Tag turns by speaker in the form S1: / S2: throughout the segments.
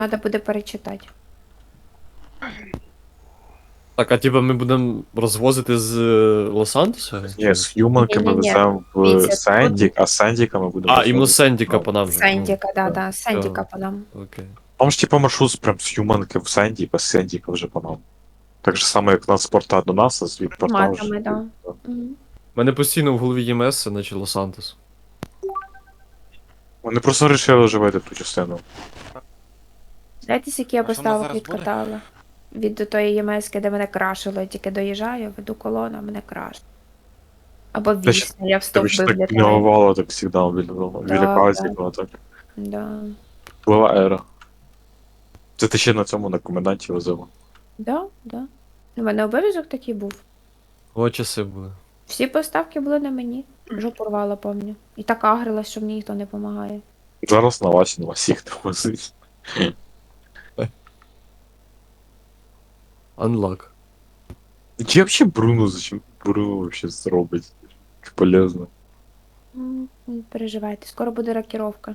S1: Треба буде перечитати.
S2: Так, а типа ми будемо розвозити з Лос-Антоса?
S3: Ні, з Юманки ми
S1: Ні-ні-ні.
S3: веземо в
S1: Дивіться,
S3: Сендік, а з Сендіка ми будемо
S2: А, іменно
S3: розвозити.
S2: Сендіка по нам же.
S1: Сендіка, да,
S3: да.
S1: Сендіка по нам.
S2: Окей.
S3: Там ж типа маршрут прям з Юманки в Сендік, а з Сендіка вже по нам. Так же само, як нас порта до нас, а з від порта вже.
S1: Матами, да. Мгм.
S2: У мене постійно в голові ЄМС, наче Лос-Антос.
S3: Вони просто вирішили живити ту частину.
S1: Знаєте, скільки я
S4: А що в нас
S1: поставок
S4: зараз буде?
S1: відкатала? Від до тої ємеськи, де мене крашило, я тільки доїжджаю, веду колону, а мене крашить. Або
S3: Та ще-
S1: вісня, я в
S3: Тебе ж
S1: стовби
S3: так
S1: влітаю.
S3: пінговало так завжди біля
S1: Да,
S3: казі,
S1: да.
S3: було так.
S1: Да.
S3: Була ера. Це ти ще на цьому на коменданті возила.
S1: Да, да. У мене обов'язок такий був.
S2: О, часи були.
S1: Всі поставки були на мені. Жопу рвала, помню. І так агрилась, що мені ніхто не допомагає.
S3: Зараз на вас їх не возить.
S2: Unlock.
S3: Чи вообще Бруно, зачем Бруно вообще зробить? Як полезно.
S1: Не переживайте, скоро буде рокіровка.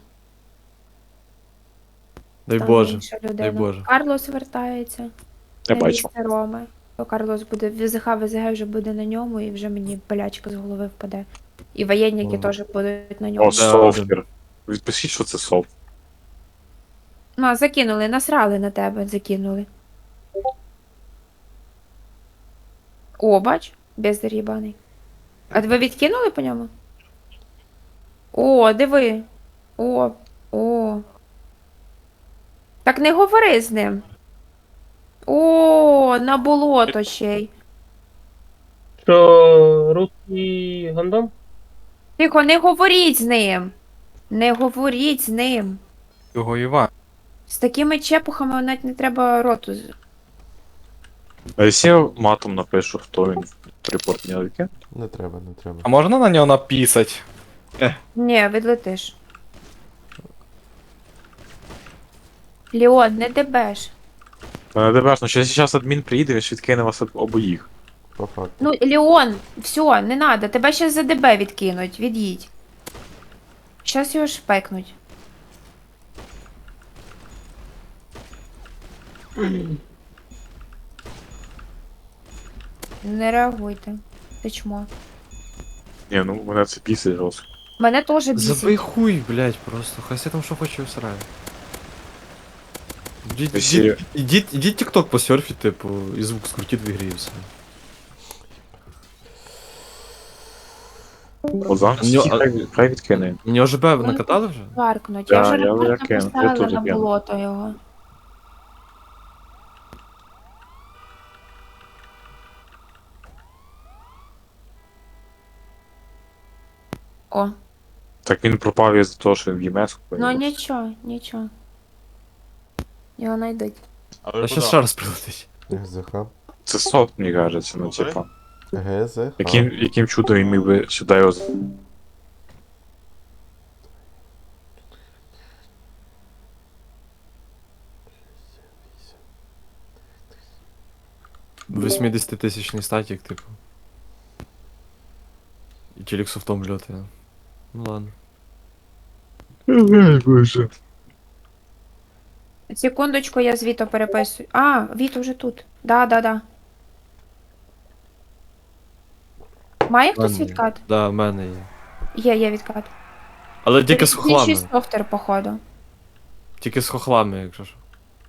S2: Дай
S1: Там
S2: Боже.
S1: інша
S2: Дай
S1: людина.
S2: Боже.
S1: Карлос вертається.
S3: Я
S1: на
S3: бачу.
S1: місце Роми. То Карлос буде, ВЗХ вже буде на ньому, і вже мені болячка з голови впаде. І воєнники
S2: О.
S1: теж будуть на ньому.
S3: О, софтер. Відпишіть, що це софт.
S1: Ну, закинули, насрали на тебе, закинули. О, бач, бездар їбаний. А ви відкинули по ньому? О, диви. О. Так не говори з ним. О, на болото ще й.
S5: Що, русський гандон?
S1: Тихо, не говоріть з ним. Не говоріть з ним.
S4: Його Іван.
S1: З такими чепухами навіть не треба роту.
S3: А якщо я матом напишу, хто він в репорт не викине?
S6: Не треба, не треба.
S4: А можна на нього написати?
S1: Ні, відлетиш. Леон, не дебеш.
S3: Мене дебеш, ну якщо зараз адмін приїде, він ж відкине вас обоїх.
S6: По факту.
S1: Ну, Леон, все, не надо. Тебе ще за ДБ відкинуть. Від'їдь. Щас його шпекнуть. Не реагуйте. Ти чмо.
S3: Ні, ну мене це пісить жорстко.
S1: Мене теж
S2: Забий
S1: бісить.
S2: хуй, блядь, просто. Хай себе там що хоче всирає.
S3: Весілля.
S2: Ідіть TikTok посерфіть, типу, і звук скрутіть в ігрі і все.
S3: От зараз
S2: Ньо-
S3: хай відкине.
S2: Мені ОЖБ накатали вже?
S1: Варкнуть.
S3: Да,
S1: Я вже
S3: я
S1: репорт
S3: кину, я
S1: написала
S3: теж
S1: на
S3: кину.
S1: болото його. О,
S3: Так він пропав із-за того, що він в ЄМС.
S1: ну нічого. Його знайдуть.
S2: А ще ще раз прилетить.
S6: ГЗХ.
S3: Це софт, мені кажеться, ну типа.
S6: ГЗХ.
S3: Яким чудом він міг би сюди його...
S2: 80-тисячний статік, типу. І челік софтом льотає. Ну ладно.
S3: Боже.
S1: Секундочку, я з Віто переписую. А, Віто вже тут. Да. Має хтось
S2: Ладно.
S1: відкат?
S2: Да, в мене є.
S1: Є відкат.
S2: Але тільки з хохлами.
S1: Інший софтер, походу.
S2: Тільки з хохлами, якщо що.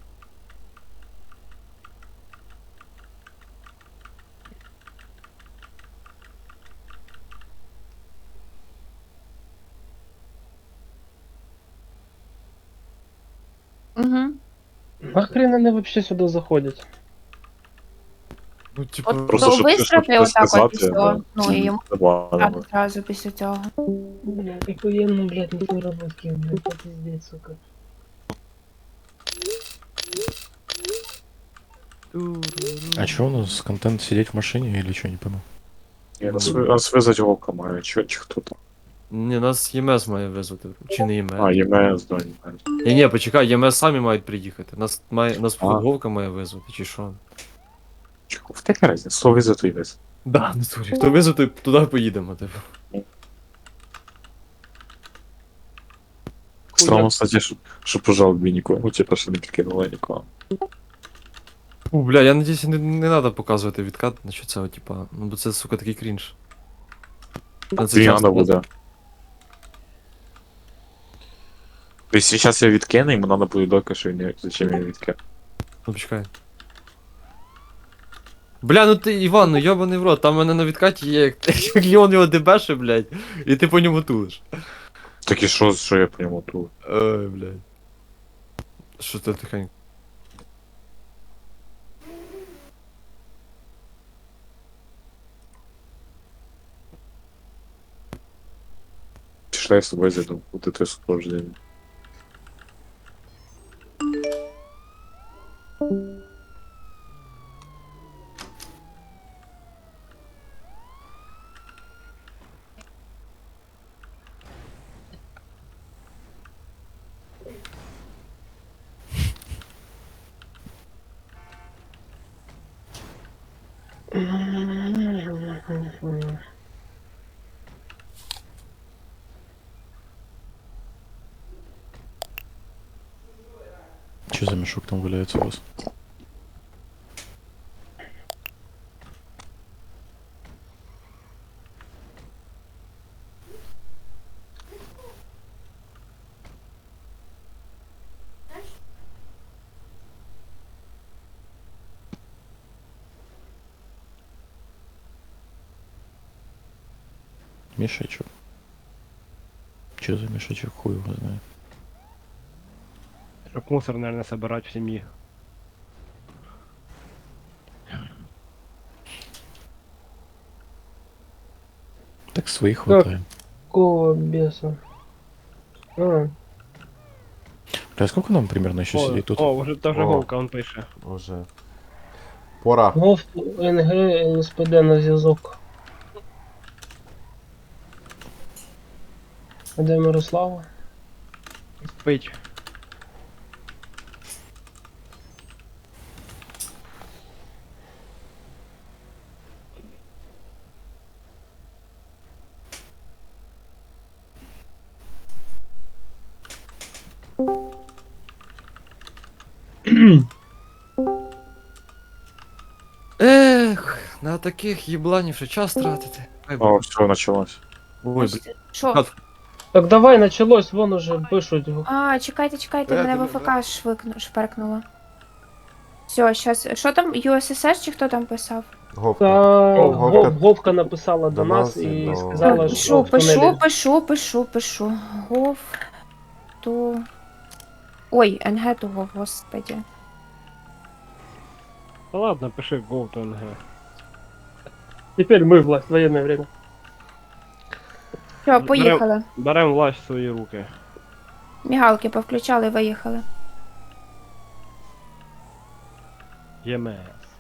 S1: Угу.
S5: Нахрен вони вообще сюди заходять?
S2: Ну, типу,
S1: От
S3: Просто,
S1: то
S3: щоб
S1: вистрати
S3: щось
S1: отак от
S3: сказати,
S1: і все.
S3: да.
S1: Ну і йому
S3: Забавно.
S1: одразу після цього.
S5: Охуєнно, блядь, не переработки, блядь, це пиздец, сука.
S7: А чё у нас контент сидеть в машине или что, не пойму?
S3: Нас визать око має, чи хто там?
S2: Ні, нас ЄМС має визвати. Чи не ЄМС?
S3: А, ЄМС, да, ЄМС.
S2: Ні, почекай, ЄМС самі мають приїхати. Нас
S3: А.
S2: Вовка має визвати, чи що?
S3: Чого? В таке разі, слово визит і визит.
S2: Да, не турі. Хто визвати, туди поїдемо, типу.
S3: Странно, кстати, що по жалобі нікого. Ну, типа, що не підкинули нікого.
S2: Бля, я надіюсь, не треба показувати відкат на що це, типа, ну бо це, сука, такий крінж. Та це
S3: Тобі
S2: часто
S3: надо буде. Тобто, зараз я відкину, йому надо буде доказ, що він зачем я відкину.
S2: Ну, почекай. Бля, ну ти, Іван, ну йобаний в рот, там в мене на відкаті є як Леон його дебеше, блядь, і ти по ньому тулиш.
S3: Так і що я по ньому тут?
S2: Ой, блядь. Що це тихенько?
S3: Пішла я з тобою зайду, бути твоє супроводження.
S7: Что за мешок там валяется у вас? Мешочек. Что за мешочек? Хуй его знает.
S8: Чтоб мусор, наверное, собирать в семье.
S7: Так своих хватает.
S5: Какого беса? А,
S7: Бля, сколько нам примерно еще сидеть тут?
S8: О, уже тоже
S6: О.
S8: Вовка, он пише.
S6: Уже. Пора.
S5: ГОВ, НГ, СПД на зв'язок. А де Мирослава?
S8: Спить.
S2: Ех, на таких їбланів ще час тратити. Ай,
S3: О, все, началось.
S2: ой, блядь.
S1: Що?
S2: Кат.
S5: Так давай, началось, вон уже пишуть.
S1: А, чекайте, мене в АФК шперкнуло. Все, щас. Що там, USSR чи хто там писав?
S6: Говка.
S5: Та
S6: Говка.
S5: Говка написала до
S6: До
S5: нас
S6: нас
S5: і
S6: і до-
S5: сказала, що
S1: Пишу. Гов. То. Ой, НГ того, господи.
S8: Да ладно, пиши Go to NG.
S5: Теперь мы власть, военное время.
S1: Все, поїхали.
S8: Берем власть в свої руки.
S1: Мігалки повключали, виїхали.
S8: ЄМС.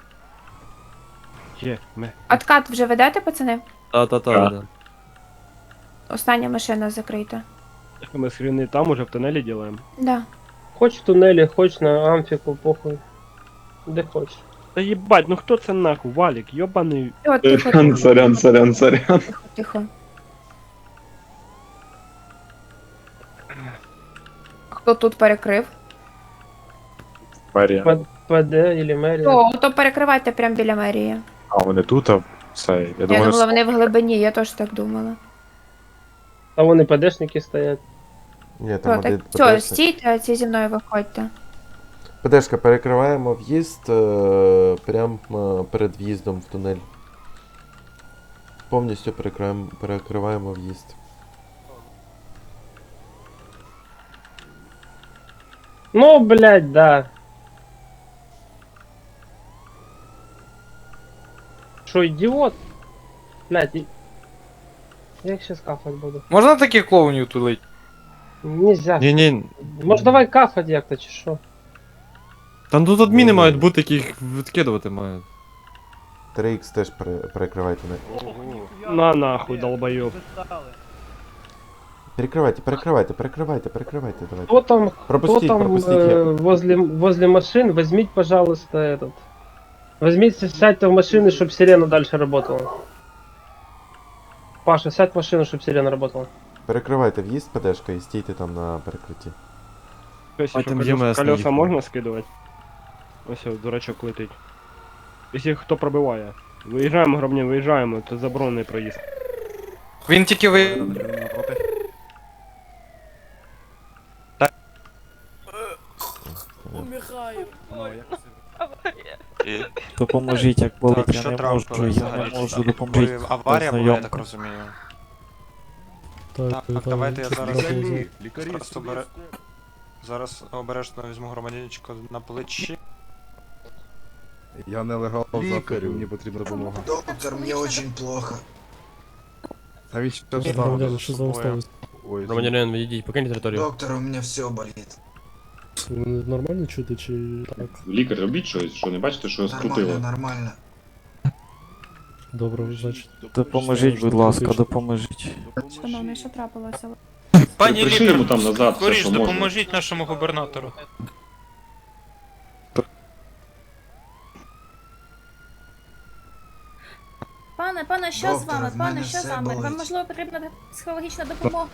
S8: ЄМС.
S1: Откат вже ведете, пацани?
S2: Та-та-та, да.
S1: Остання машина закрита.
S8: Мы скрины там уже в туннеле делаем.
S1: Да.
S5: Хоч в туннелі, хоч на амфіку, похуй. Де хоч.
S8: Да ебать, ну кто це нахуй, Валик, ёбаный.
S1: Все, тихо,
S3: Сорян.
S1: тихо. Хто тут перекрив?
S3: Мерія.
S5: ПД или мерія.
S1: О, то перекривайте прямо біля мерії.
S3: А вони тут, а це, я
S1: Я
S3: думаю,
S1: думала, вони в глибині, я теж так думала.
S5: А вон і ПДшники стоять.
S6: Ні, там
S1: Все,
S6: один
S1: так, все,
S6: ПДшник.
S1: стійте, а ці зі мною виходьте.
S6: ПДшка, перекриваємо в'їзд прямо перед в'їздом в тунель. Повністю перекриваємо в'їзд.
S5: Ну, блядь, да. Що, ідіот? Блядь, як ще кафать буду?
S4: Можна таких клоунів тулить?
S5: Нельзя.
S2: Ні-ні,
S5: Може давай кафать як-то, чи що?
S2: там тут адміни мають бути, які їх відкидувати мають.
S6: 3х теж перекривайте.
S8: На нахуй, долбоёб.
S6: Перекривайте, давайте.
S5: Кто там,
S6: Пропустіть,
S5: кто там
S6: пропустіть.
S5: возле машин, возьмите, пожалуйста, этот. Возьмите, сядьте в машину, чтобы сирена дальше работала. Паша, сядь в машину, чтобы сирена работала.
S6: Перекривайте в'їзд ПДшка і стійте там на перекритті.
S8: Ось,
S2: А
S8: що,
S2: там
S8: колеса,
S2: ЄМС не
S8: колеса
S2: їхав.
S8: можна скидувати? Ось, дурачок летить. Якщо хто пробиває. Виїжджаємо, громадян, виїжджаємо, це заборонений проїзд.
S4: Він тільки ви.
S9: Допоможіть, як болить, я
S10: Що
S9: не
S10: трапилось
S9: можу, я
S10: взагалі?
S9: не можу, допоможіть.
S10: Аварія була, я
S9: Знайомка.
S10: так розумію.
S9: Так,
S10: Так, давайте я зараз
S11: Лікарі,
S10: просто зараз обережно візьму громадянчика на плечі.
S11: Я нелегал завтра, мені потрібна допомога.
S12: Доктор, мне очень плохо.
S11: А він що
S9: Громадяни, що за
S10: Ой.
S9: обставини?
S11: Ой,
S2: Громадянин, відійдіть, покиньте територію.
S12: Доктор, у меня все болит.
S9: Ви мене нормально чути чи так?
S3: Лікар, робіть щось, що не бачите, що
S12: Нормально, нормально.
S9: Добре, значить.
S7: Допоможіть, будь ласка, допоможіть.
S1: Шановний, що трапилося?
S10: Пані
S3: Пришли йому там назад, все,
S10: скоріш
S3: що можна.
S10: допоможіть нашому губернатору.
S12: Пане, що з вами? Пане, що з вами? Вам можливо
S1: потрібна психологічна допомога?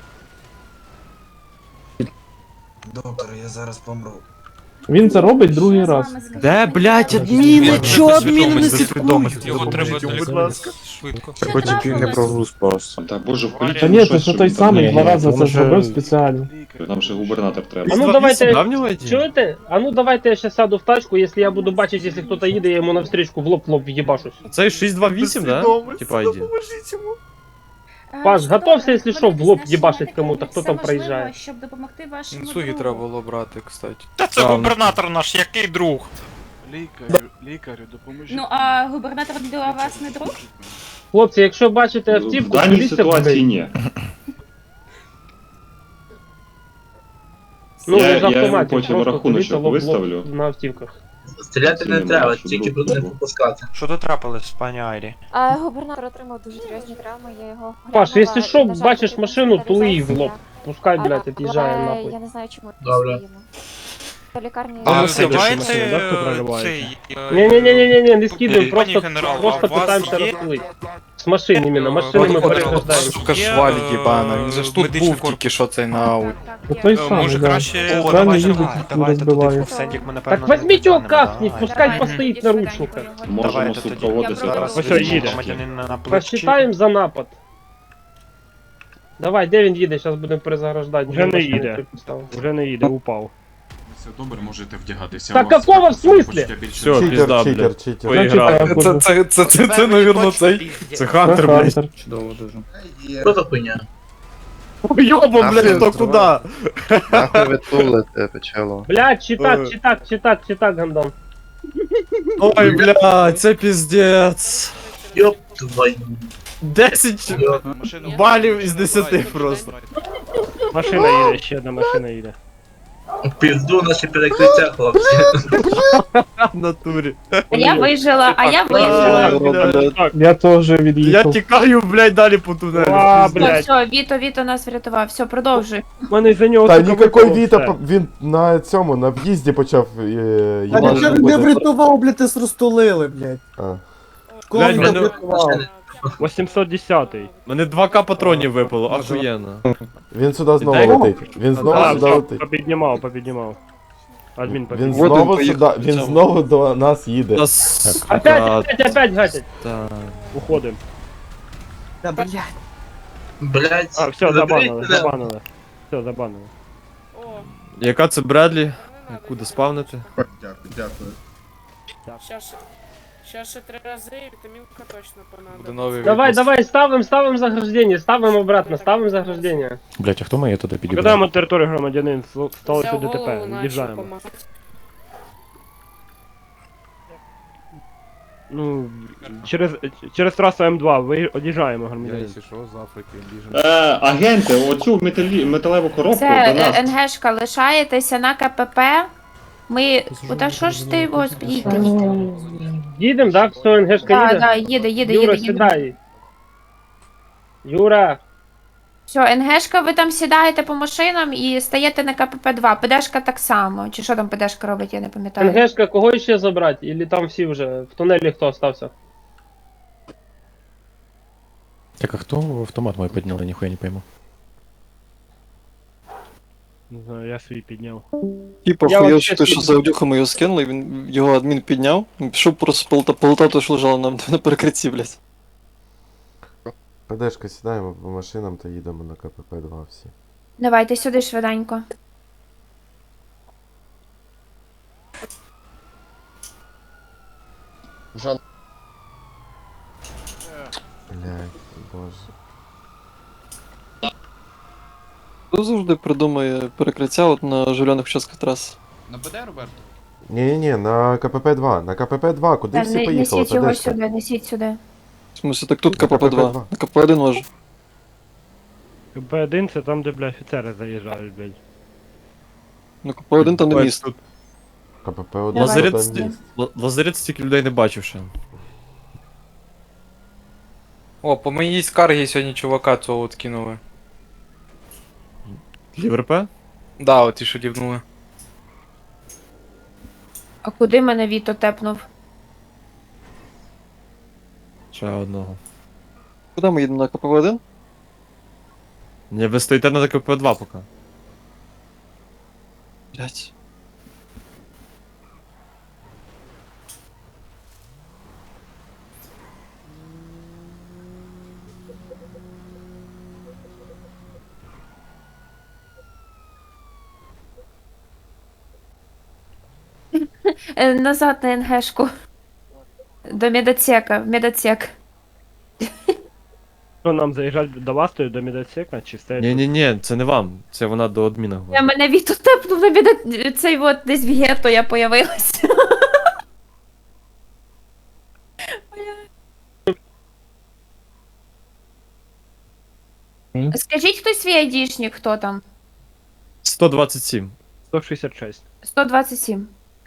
S12: Доктор, я зараз помру.
S5: Він це робить другий раз.
S2: Де, блядь, адміни? Чо адміни не
S10: слідкують? Його треба
S11: Допоможіть, будь ласка.
S10: швидко.
S3: Хоч не прогруз просто. Та боже, вколіть
S5: Та
S3: йому
S5: ні,
S3: щось,
S5: це
S3: щоб
S5: той
S3: він там
S5: самий
S3: не-
S5: два рази це
S9: може-
S5: зробив спеціально.
S3: Нам ще губернатор треба.
S5: А ну давайте,
S2: Давнього ID?
S5: чуєте? А ну давайте я сейчас сяду в тачку, якщо я буду бачити, якщо хтось їде, я йому навстрічку в лоб в'їбашусь.
S2: Цей 628, да? Типа ID.
S5: Паш, готовься, якщо що, в лоб їбашить кому-то, хто там проїжджає.
S1: Щоб допомогти вашому
S4: Інсуги треба було брати, кстати.
S10: Та це
S2: Там.
S10: губернатор наш, який друг?
S11: Лікарю, допоможіть.
S1: Ну, а губернатор для вас не друг?
S5: Хлопці, якщо бачите
S3: В
S5: автівку,
S3: даній
S5: полізьте в
S3: ситуації
S5: неї.
S3: ні.
S5: Ну,
S3: Я-
S5: з
S3: я йому
S5: автоматів,
S3: потім
S5: просто
S3: рахуночок
S5: полізьте лоб
S3: виставлю.
S5: на автівках.
S12: Стріляти
S3: не треба, тільки туди не
S12: попускати.
S10: Що тут трапилось, пані Айрі?
S1: Губернатор отримав дуже серйозні травми, я його...
S5: Паш, якщо що, бачиш машину, тули її в лоб. Пускай, блядь, від'їжджає нахуй.
S1: Я не знаю, чому
S12: Добре.
S1: до лікарні...
S8: А,
S10: А,
S8: це
S10: давайте
S8: машина, да, хто проривається?
S10: цей...
S5: Не-не-не-не-не, не скидываем,
S10: Пані
S5: просто,
S10: генерал,
S5: просто
S10: а у вас
S5: пытаемся
S10: є-
S5: расплыть. С машин именно, машины мы переграждаем.
S4: Сука, шваль єбана, він же ж тут
S10: медичний
S4: був тільки що цей на ауті.
S5: Той самый,
S10: Може
S5: да.
S10: краще...
S5: О,
S10: давайте,
S5: їздить,
S10: давайте туди
S5: розбиває.
S10: в Сендік ми напевно...
S5: Так возьмите его
S10: не
S5: кахнуть,
S10: давай.
S5: пускай постоит на ручниках.
S3: Можемо
S10: Давайте тоді.
S3: супроводити
S1: Я
S3: зараз.
S8: Ось
S10: Візьмемо
S8: їде.
S10: громадянина на плечі.
S5: Посчитаем за напад. Давай, де він їде, зараз будемо перезаграждати.
S8: Вже не
S5: Машину
S8: їде.
S5: поставимо.
S8: Вже не їде, упав.
S11: Все добре, можете вдягатися.
S5: Так какого в смислі?
S2: Все, пізда,
S6: Читер, читер,
S2: блядь.
S6: читер.
S2: Поіграв.
S4: Це, навірно, цей.
S2: Це Хантер, блядь.
S5: Хантер.
S4: Чудово дуже.
S12: Що за хуйня?
S2: Йоба, блядь, то куди?
S7: Нахуй ви тулите, печело.
S5: Блядь, читак, гандон.
S2: Ой, блядь, це піздець.
S12: Ёб твою.
S2: 10 балів із 10 просто.
S8: Машина їде, ще одна машина їде.
S12: Пізду наші перекриття, хлопці.
S2: В натурі.
S1: А я вижила, а я
S2: А,
S1: вижила.
S2: блядь.
S5: Я теж
S2: Я
S5: від'їхав.
S2: тікаю, блядь, далі по тунелю.
S8: А,
S2: Піздець.
S8: блядь.
S1: Все, Віто нас врятував. Все, продовжуй.
S8: У мене за нього
S6: Та
S8: сука,
S6: никакой
S8: випало
S6: Віта,
S8: все.
S6: він на цьому, на в'їзді почав їбати.
S12: врятував, блядь, ти розтулили, блядь.
S6: А.
S2: Блядь, мене,
S8: 810-й.
S2: мене 2К патронів випало, ахуєнно.
S6: Він сюди знову
S2: Дай-
S6: летить. Він знову
S8: А,
S6: сюди
S8: все,
S6: летить.
S8: попіднімав. Адмін
S6: Він
S8: попіднімав.
S6: знову сюди, він знову до нас їде.
S2: Нас,
S5: Опять гатять.
S2: та.
S8: Уходим.
S12: Блядь.
S8: А, все, забанили. Все, забанили.
S2: Яка це Бредлі? Куди спавнити?
S11: Дякую.
S9: Ще 3 рази, вітамінка точно понадобиться.
S5: Давай, ставим заграждение, ставим заграждение.
S7: Блять, а хто має туди підібрати?
S8: Покидаємо територію громадянин, сталося ДТП, від'їжджаємо. Ну, через трасу М2 від'їжджаємо громадянин.
S11: що, з Африки біжимо.
S3: Агенти, оцю металеву коробку до
S1: Це
S3: нас.
S1: НГшка, лишаєтеся на КПП. Ми... Та що ж ти, господи, їдь.
S5: Їдем, да? Все, НГшка
S1: Да,
S5: їде?
S1: їде.
S5: Юра, сідай. Юра,
S1: Все, НГшка, ви там сідаєте по машинам і стаєте на КПП-2. ПДшка так само. Чи що там ПДшка робить, я не пам'ятаю.
S5: НГшка, кого ще забрати? Или там всі вже? В тунелі хто остався?
S7: Так а хто автомат мой підняли, ніхуя не пойму.
S8: Не знаю, я свій підняв.
S7: Типа
S5: Я
S7: хуя,
S5: вообще
S7: що
S5: свій-
S7: за аудюхами його скинули, він його адмін підняв, він пішов просто полотав, то що лежало на перекритті, блядь.
S6: ПДшка сідаємо по машинам та їдемо на КПП-2 всі.
S1: Давайте сюди швиденько.
S6: Блядь, боже.
S7: Хто завжди придумує перекриття от на жильоних участках трас?
S10: На ПД, Роберто?
S6: Ні-ні-ні, на КПП-2, на КПП-2, куди
S1: Та
S6: всі поїхали,
S1: несіть його
S6: ПДшка?
S1: сюди, несіть сюди.
S7: В смысле, так тут
S6: На
S7: КПП-2,
S6: КПП-2.
S7: на КПП-1 може.
S8: КП-1 це там, де, бля, офіцери заїжджають, блядь.
S7: На КПП-1 там не
S2: Ось
S7: міст.
S2: тут
S6: КПП-1
S1: Давай.
S6: там
S2: Лазарет,
S6: міст.
S2: Лазарет стільки людей не бачив ще.
S4: О, по моїй скаргі сьогодні чувака цього от кинули.
S2: ЄВРП?
S4: Да, от ті, що дівнули.
S1: А куди мене Віто тепнув?
S2: Ще одного.
S7: Куди ми їдемо на КПП-1?
S2: Ні, ви стоїте на КП-2 поки.
S7: Блядь.
S1: Назад на НГшку. До медотсека, в медотсек.
S8: Що нам заїжджати до вас, то до медотсека, чи стоять?
S2: Ні, це не вам, це вона до адміна
S1: Я
S2: говорить.
S1: мене Віто тепнув на медот... Цей от десь в гетто я появилася. Скажіть хтось свій айдішник, хто там?
S2: 127.
S8: 166.
S1: 127.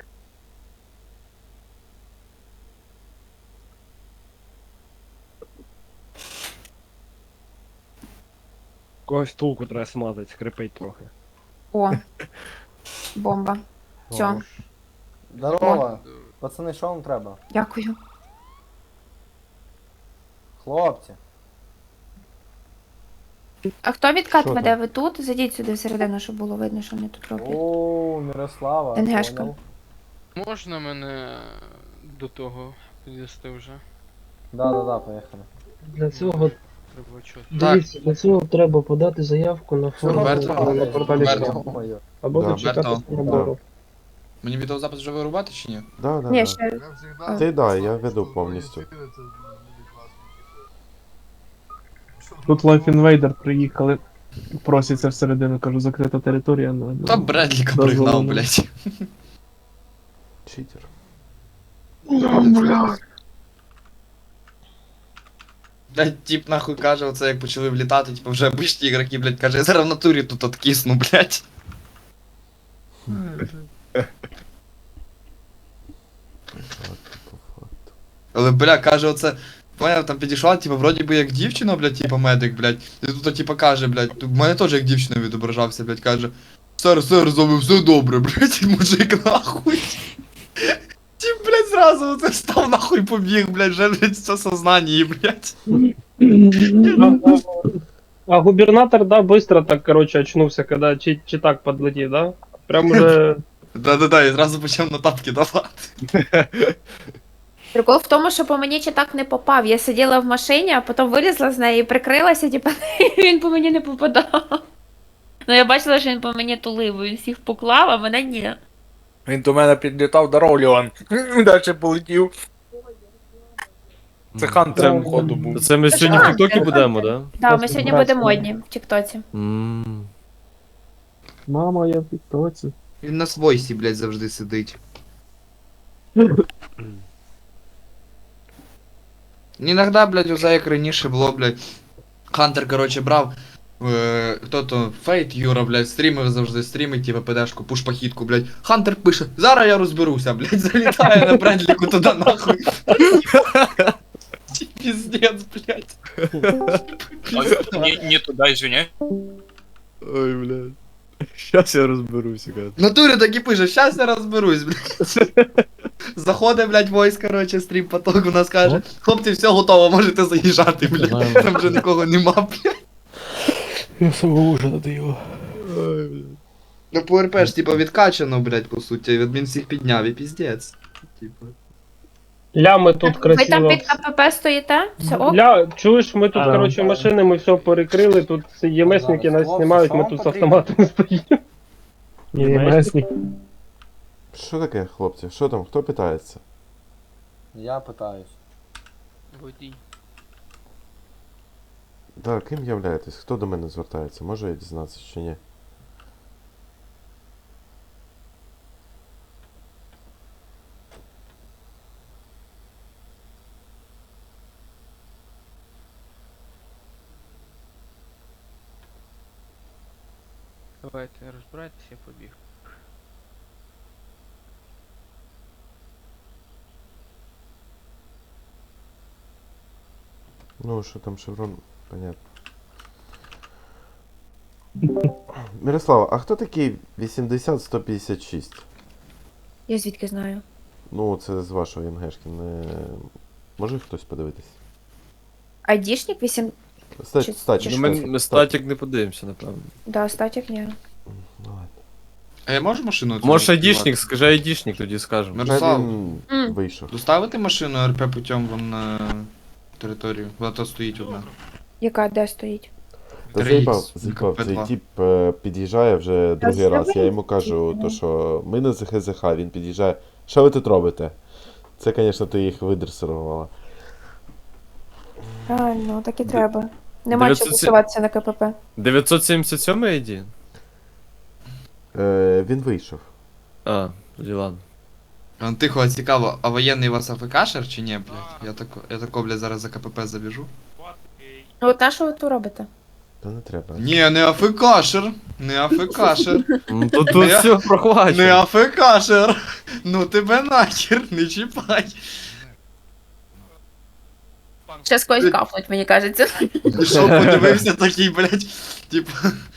S8: Когось тулку треба смазати, скрипить трохи.
S1: О. Бомба. Все,
S5: Здорово. Пацани, що вам треба?
S1: дякую.
S5: Хлопці.
S1: А хто відкат
S6: Що
S1: веде?
S6: там?
S1: Ви тут? Зайдіть сюди всередину, щоб було видно, що вони тут роблять.
S5: О, Мирослава.
S1: НГшка.
S5: понял.
S9: Можна мене до того підвести вже?
S5: Да, поїхали.
S9: Для цього треба чого?
S5: Дивіться, для цього треба подати заявку на форму
S10: Роберто,
S5: на порталі
S10: Роберто.
S5: «Форма». Або
S6: Да.
S5: дочекатися набору.
S10: Мені відеозапис вже вирубати чи ні?
S6: Да, да,
S1: Ні,
S6: да.
S1: ще
S6: Ти да, я веду повністю.
S5: Тут Life Invader приїхали. Просяться всередину, кажу, закрита територія.
S10: Та Бредліка
S5: Дозволено.
S10: пригнав, блядь.
S6: Читер.
S10: Блядь, тип нахуй каже, оце як почали влітати, типу вже обичні ігроки, блядь, каже, я зараз в натурі тут откисну, блядь. Але, бля, каже, оце. Поняв, там підійшла, типу, вроді би як дівчина, блядь, типу, медик, блядь. І тут, типу, каже, блядь, в мене теж як дівчина відображався, блядь, каже. Сер, з вами все добре, блядь, і мужик нахуй. Тіп, блядь, зразу оце став нахуй побіг, блядь, вже, блядь, все сознання, блядь.
S5: А губернатор, да, быстро так, короче, очнулся, когда читак подлетит, да? Прям уже...
S10: Да-да-да, і зразу почав на тапки давати.
S1: прикол в тому, що по мені читак не попав. Я сиділа в машині, а потім вилізла з неї і прикрилася, типу, він по мені не попадав. Ну я бачила, що він по мені тулив, він всіх поклав, а мене ні.
S4: Він до мене підлітав, здоров, Леон. Далі полетів. Це Хантер, походу, був.
S2: Це ми сьогодні в Тіктокі будемо, да?
S1: Так, ми сьогодні будемо одні в Тіктоці.
S5: Мама, я в тіктоці.
S10: Він на свойсі, блядь, завжди сидить. Іногда, блядь, оце як раніше було, блядь. Хантер, короче, брав. Хто то Фейт Юра, блядь, стрімив завжди, стрімить, типа ПДшку, пуш-пахітку, блядь. Хантер пише, зараз я розберуся, блядь, залітає на Бредліку туди нахуй. Пиздец, блядь.
S9: Не туди, извиняй.
S2: Ой, блядь. Щас я розберуся, каже.
S10: В натурі так і пише, щас я розберусь, блядь. Заходить, блядь, войс, короче, стрім поток у нас каже, хлопці, все готово, можете заїжджати, блядь. Там вже нікого нема, блядь.
S7: Я свого уже надоело.
S2: Ой, блядь.
S10: Ну по РП ж типа відкачано, блядь, по суті, адмін всіх підняв і піздець. Типа.
S5: Лями тут
S1: Ви там
S5: красиво.
S1: під КПП стоїте? Все ок?
S5: Чуєш, ми тут, коротше, машини, ми все перекрили, тут ЄМСники нас знімають, ми тут з автоматом стоїмо. ЄМСники.
S6: Що таке, хлопці? Що там? Хто питається?
S4: Я питаюсь.
S9: Водій.
S6: Да, ким являєтесь? Хто до мене звертається? Може я дізнатися чи ні?
S9: Давайте розбирайтеся, я побіг.
S6: Ну, що там шеврон, понятно. Мирослава, а хто такий 80-156?
S1: Я звідки знаю?
S6: Ну, це з вашого НГшки, не... Може хтось подивитись?
S1: Айдішник 8.
S6: Статік.
S2: Ну, ми статік не подивимося, напевно.
S1: Да, статік ні.
S6: Ну, ладно.
S10: А я можу машину? цю
S2: Може
S10: розпівати?
S2: айдішник, скажи айдішник, тоді скажемо.
S10: Мирослав,
S6: Він вийшов.
S10: доставити машину РП путем вон на територію? Вона тут стоїть одна.
S1: Яка де стоїть?
S6: Та
S10: 3Х,
S6: заїбав, цей
S10: КП2.
S6: тип під'їжджає вже другий раз. Я йому кажу,
S1: зроби.
S6: то що ми на ЗХЗХ, він під'їжджає. Що ви тут робите? Це, звісно, ти їх видресирувала.
S1: Правильно, так і треба. Нема
S2: 900
S1: чого посуватися на КПП.
S2: 977 ID?
S6: Він вийшов.
S2: А, тоді ладно.
S10: Тихо, а цікаво, а воєнний у вас АФКшер чи ні, блядь? Я тако, блядь, зараз за КПП забіжу.
S1: Ну, от на що ви тут робите?
S6: Та не треба.
S10: Ні, не АФКшер. Не АФКшер.
S2: Ну, тут
S10: Я-
S2: все
S10: Не
S2: прохвачено.
S10: АФКшер. Ну тебе нахер, не чіпай.
S1: Щас когось кафнуть, мені кажеться.
S10: Пішов, подивився такий, блядь, типа.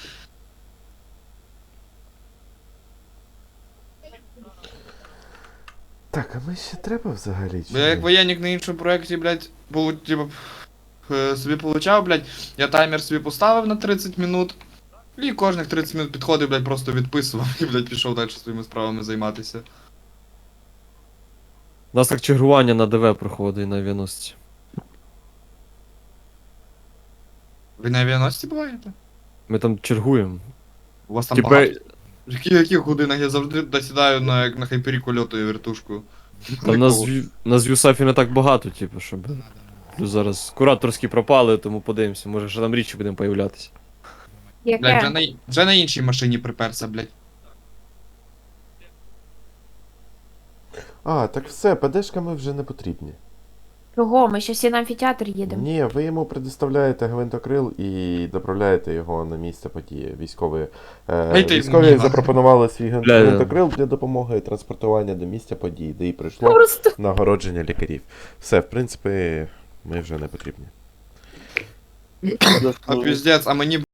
S6: Так, а ми ще треба взагалі? Чи
S10: Бо я як
S6: ні?
S10: воєнник на іншому проєкті, блядь, типа, собі получав, блядь, я таймер собі поставив на 30 минут. І кожних 30 минут підходив, блядь, просто відписував і, блядь, пішов далі своїми справами займатися.
S2: У нас так чергування на ДВ проходить на 90.
S10: Ви на авіаносці буваєте?
S2: Ми там чергуємо.
S10: У вас там
S2: Типа,
S10: багато? В яких годинах я завжди досідаю на, як на хайпері льотою вертушку.
S2: там нас в Юсафі не так багато, типу, щоб. Плюс зараз кураторські пропали, тому подивимося, може ще там річі будемо появлятися.
S10: Блядь,
S1: Яке?
S10: вже на іншій машині приперся, блядь.
S6: А, так все, ПДшками вже не потрібні.
S1: Чого? Ми ще всі на амфітеатр їдемо.
S6: Ні, ви йому предоставляєте гвинтокрил і доправляєте його на місце події. Військові,
S10: Ей, ти,
S6: військові
S10: ні,
S6: запропонували свій
S2: Бля,
S6: гвинтокрил для допомоги транспортування до місця події, де і прийшло
S1: Просто.
S6: нагородження лікарів. Все, в принципі, ми вже не потрібні.
S10: А піздець, а мені